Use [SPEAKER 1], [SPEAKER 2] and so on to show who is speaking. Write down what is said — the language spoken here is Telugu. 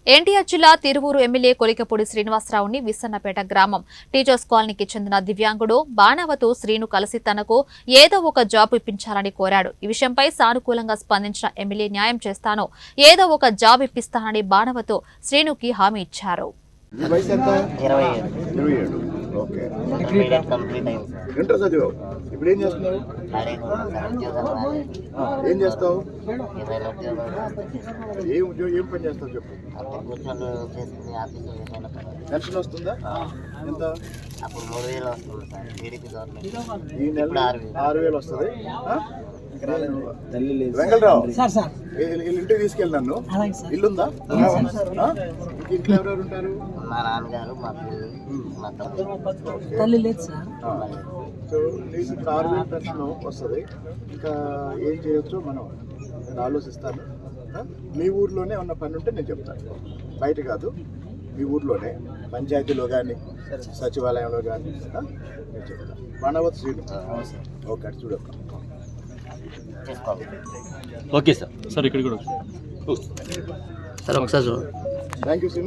[SPEAKER 1] ఎన్టీఆర్ జిల్లా తిరువూరు ఎమ్మెల్యే కొలికపూడి శ్రీనివాసరావుని విస్సన్నపేట గ్రామం టీచర్స్ కాలనీకి చెందిన దివ్యాంగుడు బాణవతు శ్రీను కలిసి తనకు ఏదో ఒక జాబ్ ఇప్పించాలని కోరాడు. ఈ విషయంపై సానుకూలంగా స్పందించిన ఎమ్మెల్యే న్యాయం చేస్తాను, ఏదో ఒక జాబ్ ఇప్పిస్తానని బాణవతు శ్రీనుకి హామీ ఇచ్చారు.
[SPEAKER 2] ఏం చేస్తావు? ఏం పని చేస్తావు చెప్పు. పెన్షన్ వస్తుందా? ఎంత? ఈ నెల 6,000 వస్తుంది. వెంకటరావు ఇంటికి తీసుకెళ్ళి నన్ను. ఇల్లుందా? ఇంట్లో ఎవరెవరు ఉంటారు?
[SPEAKER 3] మా నాన్నగారు, మా
[SPEAKER 4] తల్లి లేదు సార్.
[SPEAKER 2] సో నీకు ఇప్పుడు 6,000 పెన్షన్ వస్తుంది. ఇంకా ఏం చేయొచ్చో నేను ఆలోచిస్తాను. మీ ఊర్లోనే ఉన్న పని ఉంటే నేను చెప్తాను, బయట కాదు. మీ ఊర్లోనే పంచాయతీలో కానీ సచివాలయంలో కానీ నేను చెప్తాను. బాణవతు శ్రీను. ఓకే, అది చూడక.
[SPEAKER 5] Okay sir. సార్ ఇక్కడ కూడా
[SPEAKER 3] సార్ ఒకసారి
[SPEAKER 2] థ్యాంక్ యూ శ్రీను.